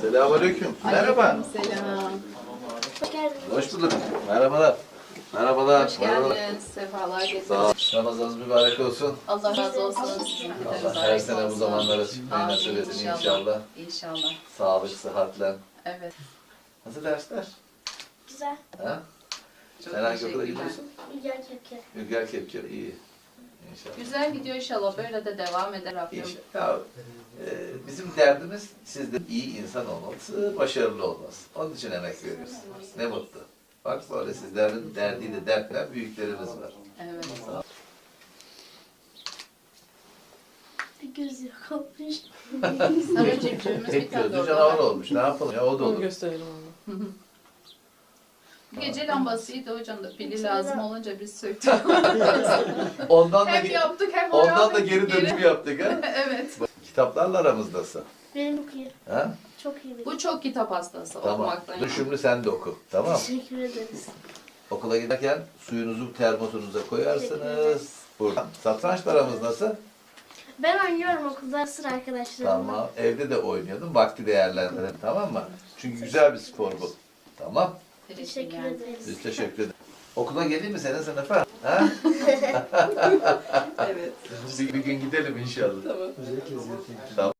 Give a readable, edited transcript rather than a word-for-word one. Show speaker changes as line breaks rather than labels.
Selamünaleyküm. Merhaba.
Selam.
Hoş geldiniz.
Hoş bulduk. Merhabalar. Merhabalar.
Hoş
Merhabalar.
geldiniz. Sefalar getirdiniz.
Sağ ol. Ramazanınız mübarek olsun.
Allah razı olsun. Sizin de
Allah
mübarek
her sene bu
olsun.
zamanlara çıkmayı
Amin,
nasip etsin inşallah.
İnşallah.
Sağlık, sıhhatle.
Evet.
Nasıl dersler?
Güzel.
Ha?
Çok
Sen hangi okula
teşekkürler.
gidiyorsun?
Güzel kepke.
Ülker Kepker. İyi. İnşallah.
Güzel gidiyor inşallah. Böyle de devam eder Rabbim.
İnşallah. Ya, bizim derdimiz sizde iyi insan olması, başarılı olması. Onun için emek veriyoruz. Ne mutlu. Bak böyle sizlerin derdiyle dertlen büyüklerimiz var.
Evet.
Bir göz yok olmuş.
Sarı civcivimiz bir
Tek
tane
gözlü
orada
canavar
var.
olmuş. Ne yapalım ya o da
Onu
olur.
gösterelim onu.
Gece lambasıydı hocam da pili lazım olunca biz söktük.
Ondan da,
Hem yaptık hem o
ondan da
yaptık.
geri dönüşüm yaptık ha.
Evet.
Kitaplarla aramızdasın.
Benim çok iyi.
Ha?
Çok iyi benim.
Bu çok kitap hastası
Tamam.
okumaktan.
Düşümlü sen de oku. Tamam.
Teşekkür ederiz.
Okula giderken suyunuzu termosunuza koyarsınız. Buradan. Satrançla aramız nasıl?
Ben oynuyorum okulda sıra arkadaşlarımla.
Tamam. Evde de oynuyordum. Vakti değerlendirelim. Tamam mı? Çünkü güzel bir spor bu. Tamam.
Teşekkür ederiz.
Biz teşekkür ederiz. Okula geleyim mi senin sınıfa? Ha?
Evet.
Bir gün gidelim inşallah.
Tamam.
Tamam.